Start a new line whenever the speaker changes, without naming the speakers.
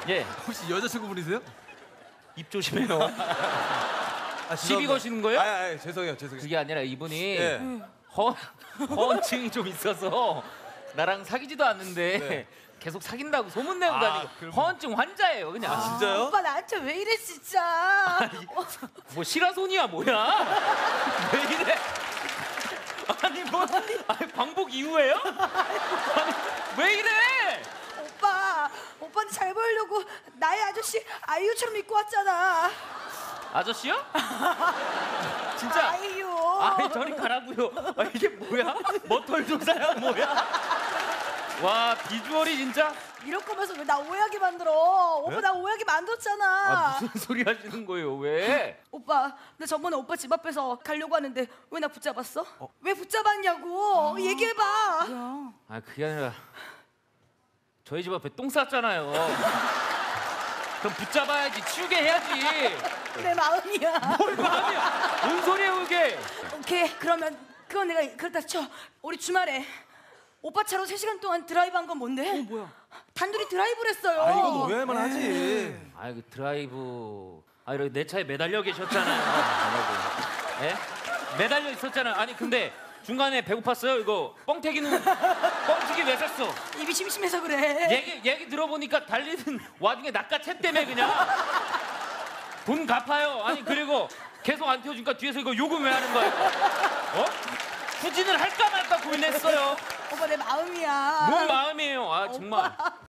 예,
혹시 여자친구분이세요?
입 조심해요.
아,
시비
죄송합니다.
거시는 거예요?
죄송해요.
그게 아니라 이분이
예.
허언증이 좀 있어서 나랑 사귀지도 않는데
네.
계속 사귄다고 소문내고 다니고
그럼-
허언증 환자예요 그냥.
진짜요?
오빠 나한테 왜 이래 진짜.
뭐 시라손이야 뭐야? 왜 이래? 아니 뭐 아니, 방복 이후에요? 아니 왜 이래?
오빠한테 잘 보이려고 나의 아저씨 아이유처럼 입고 왔잖아.
아저씨요? 진짜?
아이유.
아니 저리 가라고요. 아, 이게 뭐야? 머털조사야 뭐야? 와 비주얼이 진짜.
이럴 거면서 왜 나 오해하게 만들어? 오빠 나 오해하게 만들었잖아.
아, 무슨 소리 하시는 거예요? 왜?
오빠, 나 저번에 오빠 집 앞에서 가려고 하는데 왜 나 붙잡았어? 왜 붙잡았냐고? 얘기해봐.
아 그게 아니라 저희 집 앞에 똥 쌌잖아요. 그럼 붙잡아야지 치우게 해야지.
내 마음이야.
뭘 마음이야? 뭔 소리야 그게?
오케이, 그러면 그건 내가 그렇다 쳐. 우리 주말에 오빠 차로 3시간 동안 드라이브 한 건 뭔데?
뭐야?
단둘이 드라이브를 했어요.
아, 이건 오해할만 하지.
아 그 드라이브 이렇게 내 차에 매달려 계셨잖아요. 예? 매달려 있었잖아요. 아니 근데 중간에 배고팠어요? 이거 뻥튀기는 뻥튀기 왜 샀어?
입이 심심해서 그래.
얘기 들어보니까 달리는 와중에 낚아챘 때문에 그냥 돈 갚아요. 아니 그리고 계속 안 태워주니까 뒤에서 이거 요금 왜 하는 거야? 어? 후진을 할까 말까 고민했어요.
오빠 내 마음이야.
뭔 마음이에요? 아 정말.
오빠.